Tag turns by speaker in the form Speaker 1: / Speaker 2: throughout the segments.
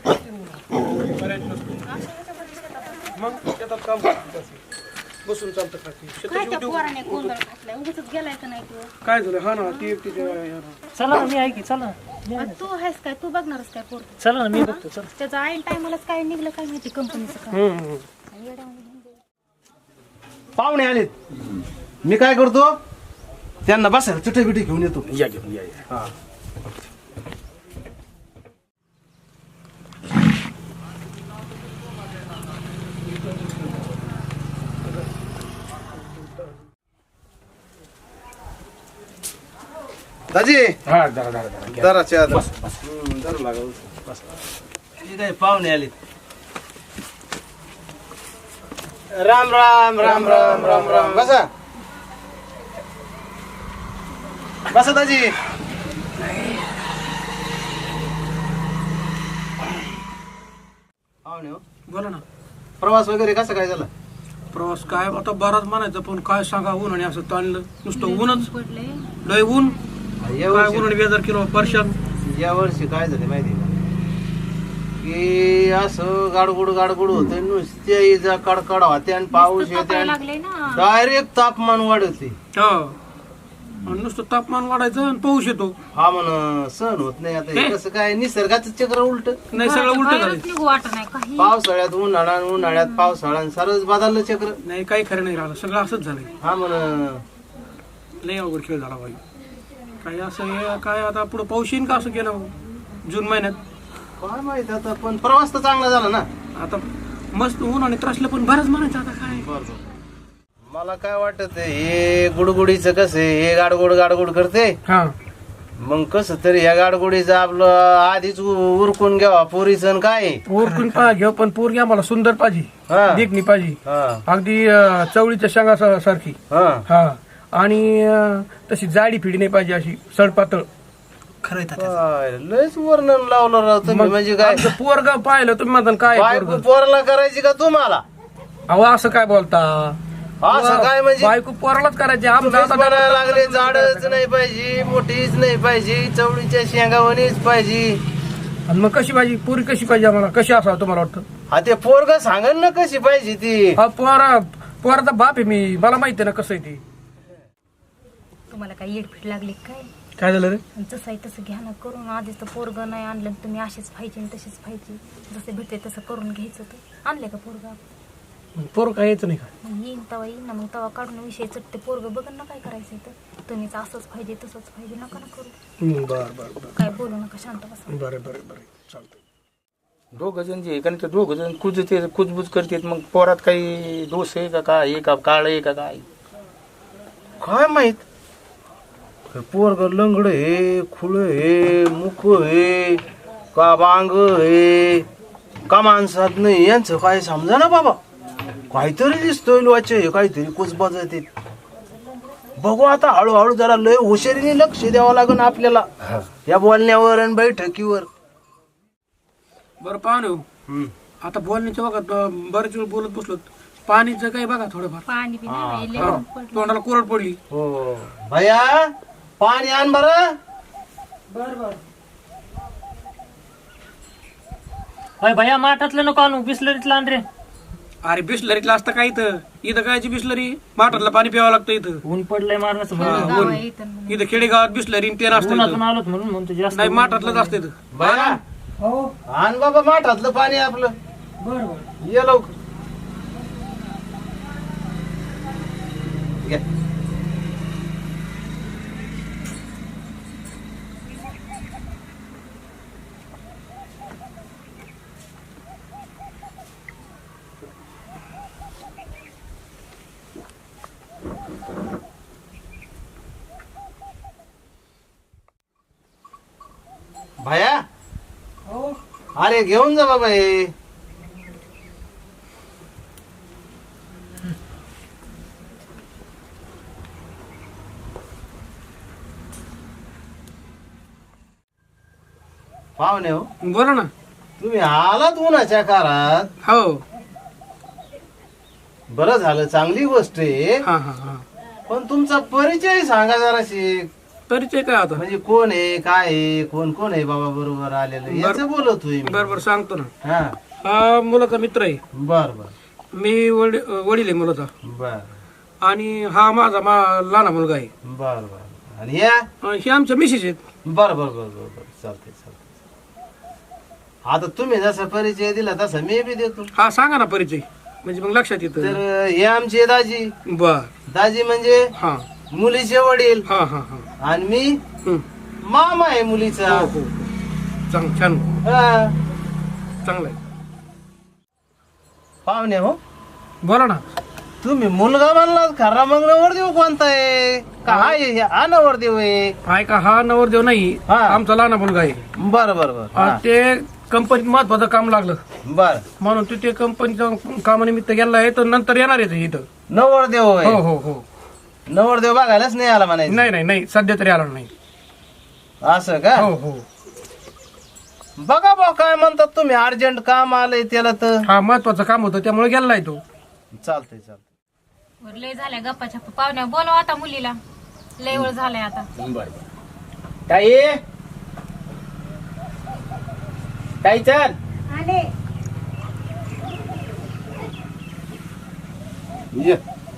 Speaker 1: बऱ्याच नसतो मग शेतात काम करतात बसून चालतं का
Speaker 2: काय त्या पोराने गोंधळ घातलाय उगाचच गेलाय का नाही तू
Speaker 1: काय झालं हा ना ती एकटी
Speaker 3: चला ना मी ऐकी चला ना.
Speaker 2: तू आहेस काय तू बघणारच काय पोर
Speaker 3: चला ना मी बघतो चला.
Speaker 2: त्याचं ऐन टायमालाच काय निघलं काय माहिती कंपनीचं काम
Speaker 4: पाहुणे आलेत मी काय करतो त्यांना बसायला चटई बिटी घेऊन येतो
Speaker 1: या घेऊन या
Speaker 4: हा दाजी
Speaker 1: हा जरा
Speaker 4: जरा चहा जरा लागल काय पाहुणे आलेत राम राम राम राम राम राम बसा बसा दाजी पाहुणे हो
Speaker 1: बोला ना
Speaker 4: प्रवास वगैरे कसा काय झाला
Speaker 1: प्रवास काय आता बराच म्हणायचं पण काय सांगा ऊन आणि असं ताणलं नुसतं ऊनच
Speaker 2: पडले
Speaker 1: लय ऊन
Speaker 4: या
Speaker 1: काय
Speaker 4: वर्षी
Speaker 1: ऊन आणि बेजार किलो परशान
Speaker 4: या वर्षी काय झालं माहिती का की असं गाडगुड होत नुसते इजा कडकड होते आणि पाऊस येते
Speaker 2: लागले ना
Speaker 4: डायरेक्ट तापमान वाढते
Speaker 1: हो आणि नुसतं तापमान वाढायचं आणि पाऊस येतो
Speaker 4: हा म्हण सहन होत नाही आता हे कसं काय निसर्गाचं चक्र उलट
Speaker 1: नाही सगळं उलट झालं
Speaker 2: निघू वाटत नाही काही
Speaker 4: पावसाळ्यात उन्हाळ्यात पावसाळ्यात सरच बदललं चक्र
Speaker 1: नाही काही खरं नाही राहिलं सगळं असंच झालंय
Speaker 4: हा म्हण
Speaker 1: लय अवघड खेळ झाला बाई काय असं हे काय आता पुढे पाऊस येईन का असं केलं जून महिन्यात
Speaker 4: काय माहित आता पण प्रवास तर चांगला झाला ना
Speaker 1: आता मस्त ऊन आणि त्रासलं पण बरंच म्हणायचं आता काय
Speaker 4: मला काय वाटत हे गुडगुडीचं कसं हे गाडगुड करते
Speaker 1: हा
Speaker 4: मग कसं तरी या गाडगुडीचं आपलं आधीच उरकून घ्यावा पोरीचं काय
Speaker 1: पोरकून घेऊ पण पोरगी आम्हाला सुंदर पाहिजे
Speaker 4: हा
Speaker 1: देखणी पाहिजे
Speaker 4: हा
Speaker 1: अगदी चवळीच्या शेंगा सारखी
Speaker 4: हा
Speaker 1: हा आणि तशी जाडी फिडी नाही पाहिजे अशी सडपातळ खरं
Speaker 4: काय लयच वर्णन लावलं राव तुम्ही म्हणजे काय
Speaker 1: पोरग पाहिलं तुम्ही म्हणता काय
Speaker 4: बायको
Speaker 1: पोरग
Speaker 4: पोराला करायची का तुम्हाला
Speaker 1: अहो असं काय बोलता
Speaker 4: असं काय म्हणजे
Speaker 1: बायको पोरालाच करायचे आमचं
Speaker 4: तुम्हीच
Speaker 1: आता
Speaker 4: बनायला लागले झाडच नाही पाहिजे मोठीच नाही पाहिजे चवळीच्या शेंगावणीच पाहिजे
Speaker 1: आणि मग कशी पाहिजे पुरी कशी पाहिजे आम्हाला कशी असावं तुम्हाला वाटतं
Speaker 4: हा ते पोरग सांगन ना कशी पाहिजे ती
Speaker 1: हा पोराचा बाप आहे मी मला माहिती आहे ना कसं आहे ते
Speaker 2: तुम्हाला काय येडफीट लागली काय
Speaker 1: काय झालं रे
Speaker 2: जसं आहे तसं घ्या ना करून आधीच तर पोरग नाही आणलं तुम्ही असेच पाहिजे तसेच पाहिजे जसे भेटते तसं करून घ्यायचं तर आणले का पोरग
Speaker 1: पोर काय यायचं नाही का
Speaker 2: मग येईन तवा येईन ना मग तवा काढून विषय चटते पोरग बघन ना काय करायचं तर तुम्हीच असंच पाहिजे तसंच पाहिजे नका ना करू
Speaker 1: बर बर बर
Speaker 2: काय बोलू नका शांत बसा
Speaker 1: बरं बरं बरं चालतंय
Speaker 5: दोघ जण जे कारण ते दोघ जण कुजते कुजबुज करतात मग पोरात काही दोष आहे का काय आहे का काळ आहे का काय
Speaker 4: काय माहित पोरग लंगड हे खुळ हे मुख हे का बांग हे का माणसात नाही यांचं काय समजा ना बाबा काहीतरी दिसतोय लोचे काहीतरी कुचबाज येते बघू आता हळूहळू जरा लय हुशारीने लक्ष द्यावं लागेल आपल्याला या बोलण्यावर आणि बैठकीवर
Speaker 1: बरं पाहून आता बोलण्याच्या बघा बरेच वेळ बोलत बसलो पाणीचं काही बघा थोडंफार
Speaker 2: पाणी बी नाही
Speaker 1: हा. तोंडाला कोरड पडली
Speaker 4: हो भैया पाणी आण बरं
Speaker 3: होय भैया माठातलं नको आणू बिस्लरीतलं आण रे.
Speaker 1: अरे बिस्लरीतला असतं काय इथं कायची बिस्लरी माठातलं पाणी प्यावं लागतं इथं
Speaker 3: ऊन पडलंय मारण्याचं
Speaker 2: गाव आहे इथं म्हणून.
Speaker 1: इथं खेडेगावात बिस्लरी ते नसतं
Speaker 3: उन्हातून
Speaker 1: इथं.
Speaker 3: आलोत म्हणून म्हणतो जास्त
Speaker 1: नाही माठातलंच असतं इथं
Speaker 4: भैया आण बाबा माठातलं पाणी आपलं ये लवकर घ्या. भैया अरे घेऊन जा बाबा हे पाहुणे हो
Speaker 1: बोला ना
Speaker 4: तुम्ही आलात उन्हाच्या काळात
Speaker 1: हो
Speaker 4: बरं झालं चांगली गोष्ट आहे
Speaker 1: हा हा हा
Speaker 4: पण तुमचा परिचय सांगा जराशी
Speaker 1: परिचय काय आता
Speaker 4: म्हणजे कोण आहे काय आहे कोण कोण आहे बाबा बरोबर आलेलं याच बोलतोय मी.
Speaker 1: बरोबर सांगतो ना.
Speaker 4: हा
Speaker 1: हा मुलाचा मित्र आहे.
Speaker 4: बर बर
Speaker 1: मी वडील आहे मुलाचा.
Speaker 4: बर
Speaker 1: आणि हा माझा लहान मुलगा आहे.
Speaker 4: बर बर आणि या
Speaker 1: हे आमच्या मिसेस आहेत.
Speaker 4: बर बर बर बर बर चालतंय चालतंय. आता तुम्ही जसा परिचय दिला तसा मी बी देतो.
Speaker 1: हा सांगा ना परिचय म्हणजे मग लक्षात येतं.
Speaker 4: तर हे आमचे दाजी.
Speaker 1: बर.
Speaker 4: दाजी म्हणजे
Speaker 1: हा
Speaker 4: मुलीचे वडील
Speaker 1: हा हा हा.
Speaker 4: आणि मी
Speaker 1: हं.
Speaker 4: मामा आहे मुलीचा.
Speaker 1: हो हो छान
Speaker 4: हा.
Speaker 1: चांगलं आहे.
Speaker 4: पाहुणे हो
Speaker 1: बोला ना.
Speaker 4: तुम्ही मुलगा म्हणलात खरा मग नवरदेव कोणता आहे काय हा नवरदेव आहे.
Speaker 1: ऐका हा नवरदेव नाही
Speaker 4: हा.
Speaker 1: आमचा लहान मुलगा आहे.
Speaker 4: बर बर बर हा.
Speaker 1: ते कंपनीत महत्वाचं काम लागलं
Speaker 4: बर
Speaker 1: म्हणून ते कंपनीच्या कामानिमित्त गेला आहे तर नंतर येणार आहे इथं.
Speaker 4: नवरदेव
Speaker 1: हो
Speaker 4: आहे.
Speaker 1: हो हो.
Speaker 4: नवरदेव बघायलाच नाही आला म्हणायचं.
Speaker 1: नाही सध्या तरी आला नाही.
Speaker 4: असं का
Speaker 1: हो हो.
Speaker 4: बघा बा काय म्हणतात तुम्ही अर्जंट काम आलंय त्याला तर
Speaker 1: हा महत्वाचं काम होतं त्यामुळे गेलाय तो.
Speaker 4: चालतंय चालतंय.
Speaker 2: बरं, लय झाल्या गप्पाच्या पाहुण्या बोलवा आता मुलीला. लय वेळ झालाय आता.
Speaker 5: ताई ताई चल
Speaker 4: ये.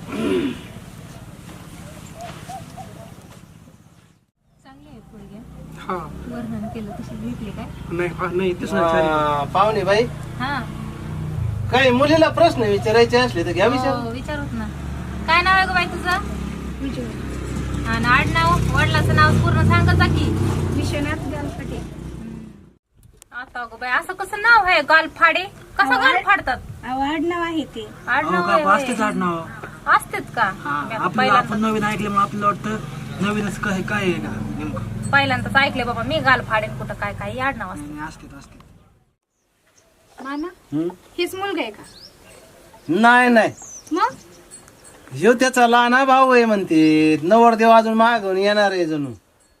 Speaker 2: चांगली आहे पोरगी.
Speaker 1: हा
Speaker 2: वर्णन केलं तशी भेटली काय?
Speaker 1: नाही तेच नाही.
Speaker 4: पाहुणे बाई
Speaker 2: हा
Speaker 4: काही मुलीला प्रश्न विचारायचे असले तर घ्या विचार.
Speaker 2: हो, विचारूत ना. काय नाव आहे ग बाई तुझं? आणि आडनाव वडिलाचं नाव पूर्ण सांगत जा की. विश्वनाथ गालफाटे. आता गो बाई असं कसं नाव आहे गालफाडे? कसं गाल फाडतात?
Speaker 6: आडनाव आहे ते.
Speaker 2: आडनाव आहे होय. असतेच का? मी आता पहिल्यांदा
Speaker 3: नवीन ऐकल्यामुळे आपल्याला वाटतं नवीनच काय आहे ना नेमकं.
Speaker 2: पहिल्यांदाच ऐकले बाबा मी गाल फाडेन कुठं काय काय आडनाव असते.
Speaker 6: मामा हीच मुलगा आहे का?
Speaker 4: नाही नाही
Speaker 6: मग
Speaker 4: ह्यो त्याचा लहान भाऊ आहे म्हणते. नवरदेव अजून मागून येणार आहे जणू.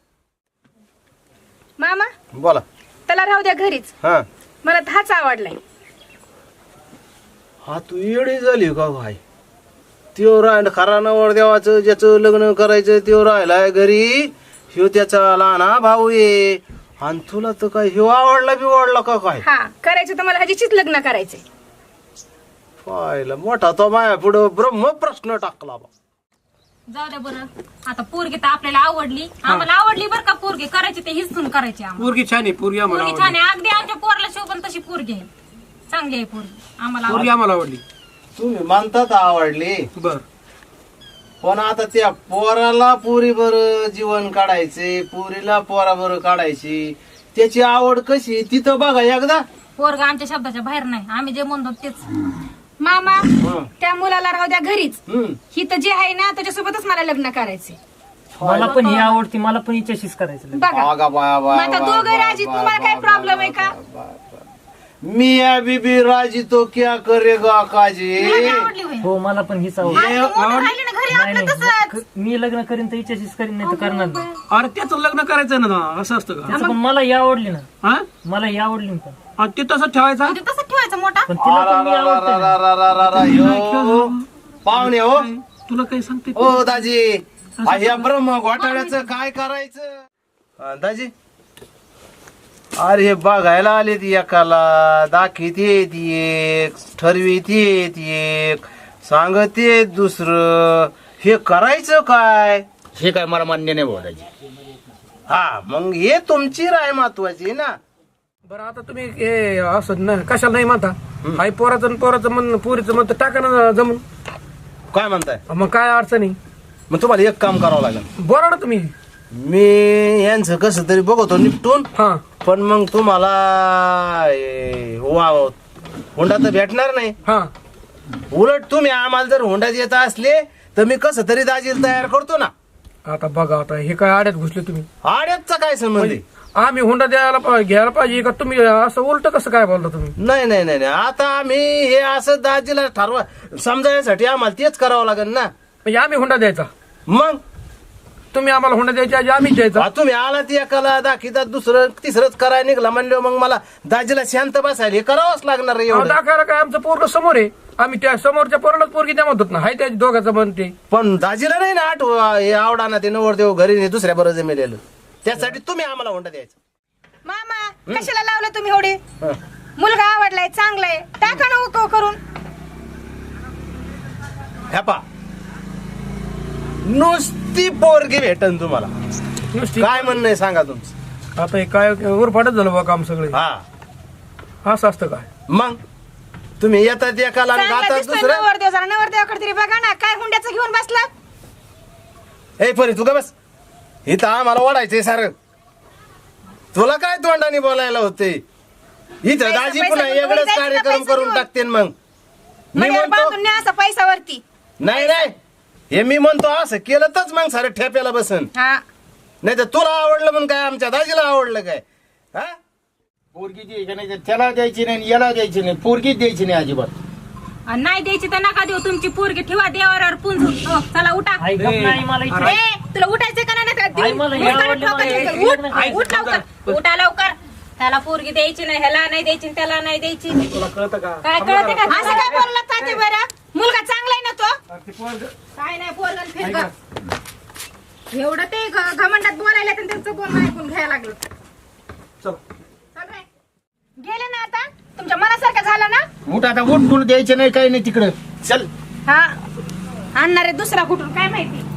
Speaker 6: मामा
Speaker 4: बोला.
Speaker 6: त्याला राहू द्या घरीच.
Speaker 4: हा
Speaker 6: मला हाच आवडलाय.
Speaker 4: हा तू येडी झाली का भाई. त्यो राहिला खरा नवरदेवाचं ज्याचं लग्न करायचं त्यो राहिलाय घरी. ह्यो त्याचा लहान भाऊ आहे आणि तुला तर काय ह्यो आवडला बिवडला का काय.
Speaker 6: हा करायचं तर मला ह्याचीच लग्न करायचंय.
Speaker 4: पाहिलं मोठा तो माया पुढं ब्रह्म प्रश्न टाकला बा.
Speaker 2: जाऊ द्या बरं. आता पोरगी तर आपल्याला आवडली. आम्हाला आवडली बरं का पोरगी. करायची ते हिसून करायची आम्हाला.
Speaker 1: पोरगी छान आहे. पोरगी आम्हाला
Speaker 2: पोरगी छान आहे. अगदी आमच्या पोरला शोभन तशी पोरगी आहे. चांगली आहे पोरगी. आम्हाला
Speaker 1: पोरगी आम्हाला आवडली.
Speaker 4: तुम्ही म्हणतात आवडली
Speaker 1: बर.
Speaker 4: पण आता त्या पोराला पुरी बर जीवन काढायचे पुरीला पोरा बर काढायची. त्याची आवड कशी तिथं बघा एकदा.
Speaker 2: पोरगा आमच्या शब्दाच्या बाहेर नाही. आम्ही जे म्हणतो तेच.
Speaker 6: मामा त्या मुलाला राहू द्या घरीच.
Speaker 4: हम्म.
Speaker 6: ही तर जे आहे ना त्याच्यासोबतच मला लग्न करायचंय.
Speaker 3: मला पण ही आवडती. मला पण हिच्याशीच करायचं.
Speaker 6: बघा
Speaker 4: बागा बाया
Speaker 6: मग
Speaker 4: बाया
Speaker 6: आता
Speaker 4: बाया
Speaker 6: दोघं राजी.
Speaker 4: बाया
Speaker 6: तुम्हाला काय
Speaker 4: बाया
Speaker 6: प्रॉब्लेम आहे का?
Speaker 4: मिया बीबी राजी तो क्या करेगा काजी.
Speaker 2: आवडली होय.
Speaker 3: हो मला पण हीच आवडती.
Speaker 2: आणि तू मोठं राहिली ना घरी
Speaker 3: नाही
Speaker 2: आपलं तसंच.
Speaker 3: नाही मी लग्न करीन तर हिच्याशीच करीन नाही तर करणार नाही.
Speaker 1: अरे त्याचं लग्न करायचं ना असं असतं का.
Speaker 3: तिचं पण मला ही आवडली ना.
Speaker 1: हा
Speaker 3: मला ही आवडली ना पण.
Speaker 1: आणि ते तसं ठेवायचं.
Speaker 2: म्हणजे तसंच ठेवायचं मोठा.
Speaker 3: पण तिला पण मी आवडते ना.
Speaker 4: ह्यो पाहुणे हो.
Speaker 1: तुला काही सांगते.
Speaker 4: ओ दाजी ह्या ब्रह्म घोटाळ्याचं काय करायचं. दाजी अरे हे बघायला आले ती एकाला दाखीत येत एक ठरवीत येत एक सांगत येत दुसरं. हे करायचं काय.
Speaker 5: हे काय मला मान्य नाही बोलायची.
Speaker 4: हा मग हे तुमची राय महत्वाची ना.
Speaker 1: बरं आता तुम्ही हे असं ना कशाला नाही म्हणता. हाय पोराचं म्हण पुरीचं म्हणतं टाका ना जमून.
Speaker 4: काय म्हणताय.
Speaker 1: मग काय अडचणी.
Speaker 4: मग तुम्हाला एक काम करावं लागेल.
Speaker 1: बोला ना तुम्ही.
Speaker 4: मी यांचं कसं तरी बघतो निपटून.
Speaker 1: हा
Speaker 4: पण मग तुम्हाला हुंडा तर भेटणार नाही.
Speaker 1: हा
Speaker 4: उलट तुम्ही आम्हाला जर हुंडा देत असले तर मी कसं तरी दाजीला तयार करतो ना.
Speaker 1: आता बघा आता हे काय आड्यात घुसले तुम्ही.
Speaker 4: आड्याचा काय संबंध आहे.
Speaker 1: आम्ही हुंडा घ्यायला पाहिजे का तुम्ही असं उलट कसं काय बोलता तुम्ही.
Speaker 4: नाही नाही नाही नाही. आता आम्ही हे असं दाजीला ठरवा समजायसाठी आम्हाला तेच करावं लागेल ना.
Speaker 1: म्हणजे आम्ही हुंडा द्यायचा.
Speaker 4: मग
Speaker 1: तुम्ही आम्हाला हुंडा द्यायच्या आधी आम्हीच द्यायचा.
Speaker 4: तुम्ही आला ती एकाला दाखीतात दुसरं तिसरंच करायला निघला म्हणलं मग मला दाजीला शांत बसायला हे करावंच लागणार आहे एवढं.
Speaker 1: दाखवायला काय आमचं पोरग समोर आहे. आम्ही त्या समोरच्या पोरालाच पोरगी द्या म्हणतो ना, हाय त्या दोघांचं म्हणते.
Speaker 4: पण दाजीला नाही ना हे आवडा ना ते नवरदेव घरी नाही दुसऱ्या बरं जमेलेलं, त्यासाठी तुम्ही आम्हाला हुंडा द्यायचा.
Speaker 6: मामा कशाला लावलं तुम्ही एवढे?
Speaker 4: हं.
Speaker 6: मुलगा आवडलाय, चांगलाय, टाका ना उकव करून.
Speaker 4: ह्या पा नुसती पोरगी भेटन तुम्हाला.
Speaker 1: नुसती
Speaker 4: काय म्हणणं आहे सांगा तुमचं.
Speaker 1: आता हे काय उरफाटच झालं बा काम सगळे.
Speaker 4: हा
Speaker 1: असं असतं काय?
Speaker 4: मग तुम्ही येतात एकाला आणि
Speaker 6: चांगला
Speaker 4: गातात
Speaker 6: दिसतोय
Speaker 4: दुसरं.
Speaker 6: नवरदेव, जरा नवरदेवाकडे तरी बघा ना, काय हुंड्याचं घेऊन बसला.
Speaker 4: हे परी तू का बस, इथं आम्हाला ओढायचंय सारं. तुला काय तोंडाने बोलायला होते इथं.
Speaker 6: पैसा-
Speaker 4: दाजी
Speaker 6: पैसा
Speaker 4: पुन्हा
Speaker 6: घेऊन
Speaker 4: वेगळंच
Speaker 6: जायचं का
Speaker 4: कार्यक्रम
Speaker 6: पैसा
Speaker 4: करून
Speaker 6: घेऊन?
Speaker 4: टाकते मग. मी
Speaker 6: मळ्यावर
Speaker 4: म्हणतो
Speaker 6: बांधून न्या असं पैशावरती.
Speaker 4: नाही नाही, हे मी म्हणतो असं केलं तरच मग सारं ठेप्याला बसन.
Speaker 6: हा
Speaker 4: नाही तर तुला आवडलं म्हणून काय आमच्या दाजीला आवडलं काय? हा
Speaker 5: पोरगी द्यायची नाही, त्याला द्यायची नाही, याला द्यायची नाही, पोरगीच द्यायची नाही अजिबात.
Speaker 2: आणि नाही द्यायची तर नका देऊ, तुमची पोरगी ठेवा देवावर पुंजून. हो, चला उठा.
Speaker 3: आई गप नाही मला इच्छा
Speaker 2: ए, तुला उठायचं का नाही? देऊ.
Speaker 3: आई, मला हे
Speaker 2: उठ,
Speaker 3: आवडलं,
Speaker 2: ठोका
Speaker 3: मला हे
Speaker 2: ठोका.
Speaker 3: आवडलं.
Speaker 2: उठ,
Speaker 3: आई,
Speaker 2: उठ लवकर, उठा लवकर. त्याला पोरगी द्यायची नाही, ह्याला नाही द्यायची, त्याला नाही द्यायची.
Speaker 1: तुला कळतं का?
Speaker 2: काय कळते का?
Speaker 6: असं काय बोलला ताते बरं? मुलगा चांगलाय ना तो?
Speaker 1: अरे ते पोरगं-
Speaker 6: काय नाही पोरगण फिरगं. एवढं ते घमंडात बोलायला तर त्यांचं बोलणं ऐकून घ्यायला लागलं.
Speaker 1: चल.
Speaker 6: चल रे. गेले ना आता? तुमच्या मनासारखं झालं ना?
Speaker 5: उठ आता, उठ, कुठं द्यायचे नाही, काही नाही तिकडं. चल.
Speaker 6: हा आणणारे दुसरा कुठून काय माहिती.